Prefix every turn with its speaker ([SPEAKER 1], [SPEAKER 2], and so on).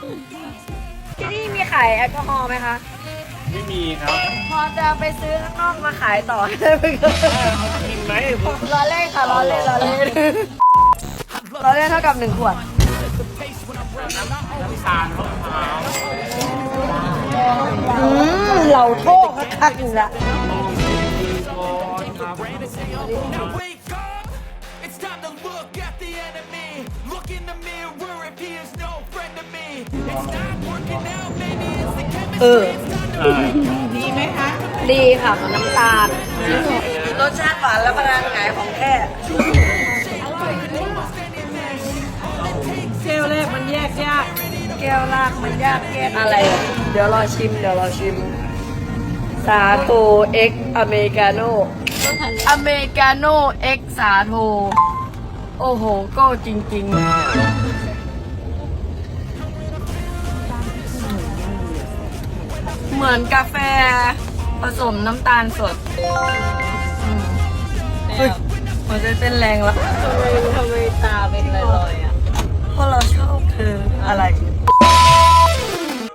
[SPEAKER 1] ที่นี่มีขายแอลกอฮอล์ไหมคะ
[SPEAKER 2] ไม่มีครับ
[SPEAKER 1] พอจะไปซื้อข้างนอกมาขายต่อได้ไหมคะ
[SPEAKER 2] กินไหม
[SPEAKER 1] ล้อเล่นค่ะล้อเล่นล้อเล่นล้อเล่นเท่ากับ1 ขวด
[SPEAKER 2] น้ำตาลมะพร้าว
[SPEAKER 1] เหล่าโทษคักๆอยู่ละ
[SPEAKER 3] Wake up! It's time to look at the enemy. Look in the mirror if he is no friend to me. It's not working out, maybe it's the chemistry. It's time to
[SPEAKER 1] ดีค่ะกับน้ำตาลรสชาติหวานและพลังงานของแท้แก้วแรกมันแยกยากแก้วแรกมันยากแยกอะไรอ่ะเดี๋ยวรอชิมสาโทเอ็กอเมริกาโน่อเมริกาโน่เอ็กสาโทโอ้โหก็จริงๆเหมือนกาแฟผสมน้ำตาลสดเฮ้ยหัวใจเต้นแรงแล้วทำไมตาเป็นลอยๆอ่ะเพราะเราชอบเธออะไร